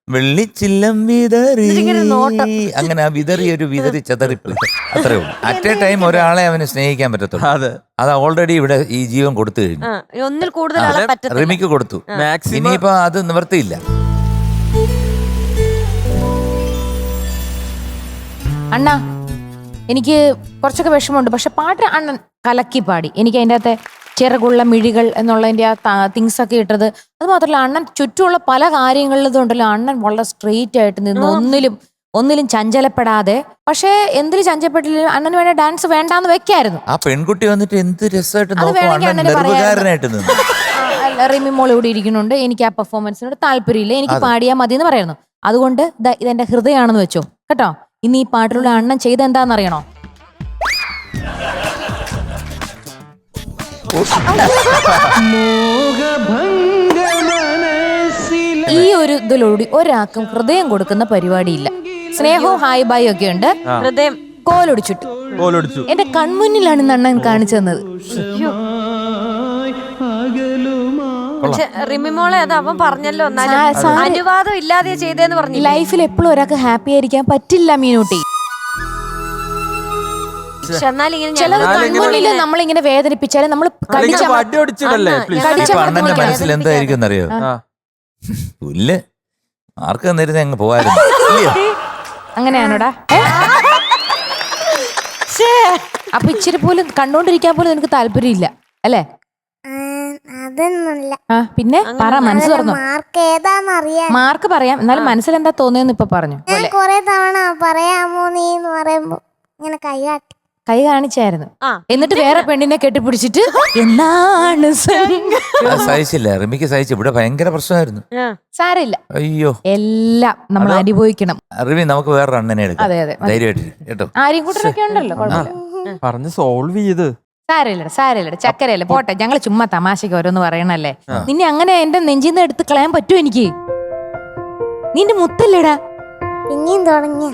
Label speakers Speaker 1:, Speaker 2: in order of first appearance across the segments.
Speaker 1: വെള്ളിച്ചില്ലം വിതറി
Speaker 2: ഇതിങ്ങനെ നോട്ടം.
Speaker 1: അങ്ങനെ ആ വിതറി ചെതറിപ്പ് അത്രേ ഉള്ളൂ. അറ്റ് എ ടൈം ഒരാളെ അവന് സ്നേഹിക്കാൻ പറ്റത്തുള്ളൂ.
Speaker 3: അതെ,
Speaker 1: അത് ഓൾറെഡി ഇവിടെ ഈ ജീവൻ കൊടുത്തു കഴിഞ്ഞു.
Speaker 2: ഒന്നിൽ കൂടുതൽ ആളെ പറ്റത്തില്ല.
Speaker 1: റിമിക്ക് കൊടുത്തു.
Speaker 3: മാക്സിമം
Speaker 1: ഇനിയിപ്പോ അത് നിവർത്തിയില്ല.
Speaker 4: അണ്ണ എനിക്ക് കുറച്ചൊക്കെ വിഷമമുണ്ട്, പക്ഷെ പാട്ട് അണ്ണൻ കലക്കി പാടി. എനിക്ക് അതിൻ്റെ അകത്തെ ചിറകുള്ള മിഴികൾ എന്നുള്ളതിൻ്റെ ആ തിങ്സ് ഒക്കെ ഇട്ടത്, അത് മാത്രമല്ല അണ്ണൻ ചുറ്റുമുള്ള പല കാര്യങ്ങളിലും ഉണ്ടല്ലോ, അണ്ണൻ വളരെ സ്ട്രെയിറ്റ് ആയിട്ട് നിന്ന് ഒന്നിലും ചഞ്ചലപ്പെടാതെ. പക്ഷേ എന്തിലും ചഞ്ചലപ്പെട്ടില്ല, അണ്ണന് വേണ്ട ഡാൻസ് വേണ്ടാന്ന് വെക്കായിരുന്നു.
Speaker 1: ആ പെൺകുട്ടി വന്നിട്ട് എന്ത് രസമായിട്ട്
Speaker 4: വേണമെങ്കിൽ അണ്ണന്
Speaker 1: നിർവികാരനായിട്ട് നിന്ന്.
Speaker 4: റിമി മോൾ ഇവിടെ ഇരിക്കുന്നുണ്ട്, എനിക്ക് ആ പെർഫോമൻസിനോട് താല്പര്യമില്ല, എനിക്ക് പാടിയാൽ മതി എന്ന് പറയുന്നു. അതുകൊണ്ട് ഇതെന്റെ ഹൃദയമാണെന്ന് വെച്ചോ കേട്ടോ. ഇനി ഈ പാട്ടിലൂടെ അണ്ണൻ ചെയ്ത് എന്താണെന്നറിയണോ? ഈ ഒരു ഇതിലൂടെ ഒരാൾക്കും ഹൃദയം കൊടുക്കുന്ന പരിപാടിയില്ല. സ്നേഹവും ഹായ് ബായ് ഒക്കെ ഉണ്ട്,
Speaker 2: ഹൃദയം
Speaker 3: കോലൊടിച്ചു.
Speaker 4: എന്റെ കൺമുന്നിലാണ് ഇന്ന് അണ്ണൻ കാണിച്ചു തന്നത്.
Speaker 2: റിമിമോളെ അത് അവൻ പറഞ്ഞല്ലോ, അനുവാദം ഇല്ലാതെ ചെയ്തേന്ന് പറഞ്ഞു.
Speaker 4: ലൈഫിൽ എപ്പോഴും ഒരാൾക്ക് ഹാപ്പി ആയിരിക്കാൻ പറ്റില്ല മീനൂട്ടി. ചില കൺമുന്നില് നമ്മളിങ്ങനെ വേദനിപ്പിച്ചാലും നമ്മൾ
Speaker 1: അണ്ണന്റെ മനസ്സിൽ എന്തായിരിക്കും അറിയോ? പുല്ല് ആർക്ക് തന്നിരുന്ന അങ്ങ് പോവായിരുന്നു.
Speaker 4: അങ്ങനെയാണോടാ? അപ്പൊ ഇച്ചിരി പോലും കണ്ടോണ്ടിരിക്കാൻ പോലും നിനക്ക് താല്പര്യമില്ല അല്ലേ?
Speaker 5: അതൊന്നുമില്ല.
Speaker 4: പിന്നെ പറ, മനസ്സ് തുറന്നു.
Speaker 5: മാർക്ക് ഏതാന്നറിയാൻ.
Speaker 4: മാർക്ക് പറയാം, എന്നാലും മനസ്സിൽ എന്താ തോന്നിയെന്ന് ഇപ്പൊ പറഞ്ഞു.
Speaker 5: ഞാൻ കൊറേ തവണ പറയാമോ നീ എന്ന് പറയുമ്പോ ഇങ്ങനെ
Speaker 4: കൈ കാണിച്ചായിരുന്നു. എന്നിട്ട് വേറെ പെണ്ണിനെ കെട്ടിപ്പിടിച്ചിട്ട് എന്നാണ്
Speaker 1: സഹിച്ചില്ല, റിമിക്ക് സഹിച്ചു. ഇവിടെ ഭയങ്കര പ്രശ്നമായിരുന്നു.
Speaker 4: സാരില്ല,
Speaker 1: അയ്യോ
Speaker 4: എല്ലാം നമ്മൾ അനുഭവിക്കണം.
Speaker 1: റിമി നമുക്ക് വേറെ അണ്ണനെ എടുക്കാം.
Speaker 4: അതെ അതെ,
Speaker 1: ധൈര്യമായിട്ടിരിക്കും കേട്ടോ.
Speaker 4: ആരെയും കൂട്ടരൊക്കെ ഉണ്ടല്ലോ,
Speaker 3: പറഞ്ഞ് സോൾവ് ചെയ്ത്.
Speaker 4: സാരമില്ലട, ചക്കരയല്ല പോട്ടെ. ഞങ്ങള് ചുമ്മാ തമാശക്ക് ഓരോന്ന് പറയണല്ലേ. നിന്നെ അങ്ങനെ എന്റെ നെഞ്ചിന്ന് എടുത്ത് കളയാൻ പറ്റുമോ എനിക്ക്? നിന്റെ മുത്തല്ലേടാ.
Speaker 5: പിന്നെയും തുടങ്ങി.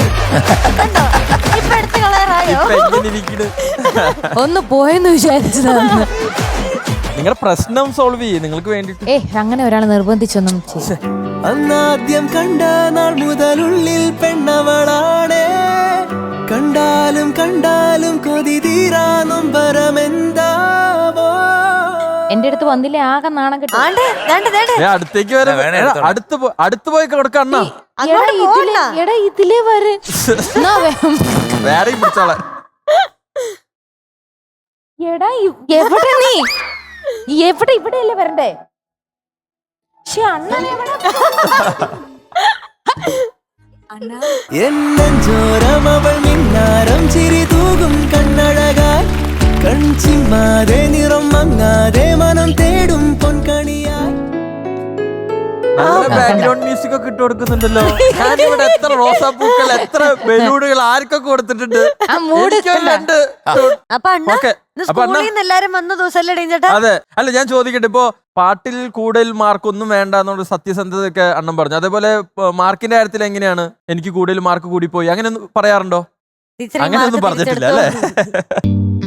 Speaker 4: ഒന്ന് പോയെന്ന് വിചാരിച്ചതാണ്.
Speaker 3: നിങ്ങളുടെ പ്രശ്നം സോൾവ് ചെയ്യേ നിങ്ങൾക്ക് വേണ്ടിട്ട്.
Speaker 4: അങ്ങനെ ഒരാൾ നിർബന്ധിച്ചൊന്നും
Speaker 6: അന്നാദ്യം കണ്ട നാൾ മുതലുള്ളിൽ പെണ്ണവളാണേ, കണ്ടാലും കണ്ടാലും കൊതി തീരാ നൊമ്പരമെന്താവോ.
Speaker 4: എന്റെ അടുത്ത് വന്നില്ലേ ആകെ നാണം കിട്ടും.
Speaker 3: അടുത്തേക്ക് വരെ അടുത്ത് പോയി കൊടുക്കണ്ണ.
Speaker 4: എടാ ഇതിലേ വരെ
Speaker 3: വേറെ പിടിച്ചോളെ.
Speaker 4: എടാ എവിടെ നീ? ഇവിടെയല്ലേ വരണ്ടേ?
Speaker 6: എന്നോരം അവൾ മിന്നാരം ചിരി തൂകും കണ്ണഴകായി, കൺചിമ്മാതെ നിറം മങ്ങാതെ മനം തേടും പൊൻകണിയായി.
Speaker 3: ബാക്ക്ഗ്രൗണ്ട് മ്യൂസിക് ഒക്കെ ഇട്ട് കൊടുക്കുന്നുണ്ടല്ലോ. ഞാനിവിടെ എത്ര റോസാപ്പൂക്കൾ, എത്ര ബലൂണുകൾ ആർക്കൊക്കെ കൊടുത്തിട്ടുണ്ട്.
Speaker 2: എല്ലാരും വന്ന ദിവസം.
Speaker 3: അതെ, അല്ല ഞാൻ ചോദിക്കട്ടെ, ഇപ്പൊ പാട്ടിൽ കൂടുതൽ മാർക്ക് ഒന്നും വേണ്ട എന്നുള്ള സത്യസന്ധതയൊക്കെ അണ്ണം പറഞ്ഞു. അതേപോലെ മാർക്കിന്റെ കാര്യത്തിൽ എങ്ങനെയാണ്? എനിക്ക് കൂടുതൽ മാർക്ക് കൂടി പോയി അങ്ങനെ പറയാറുണ്ടോ? അങ്ങനെയൊന്നും പറഞ്ഞിട്ടില്ല അല്ലേ?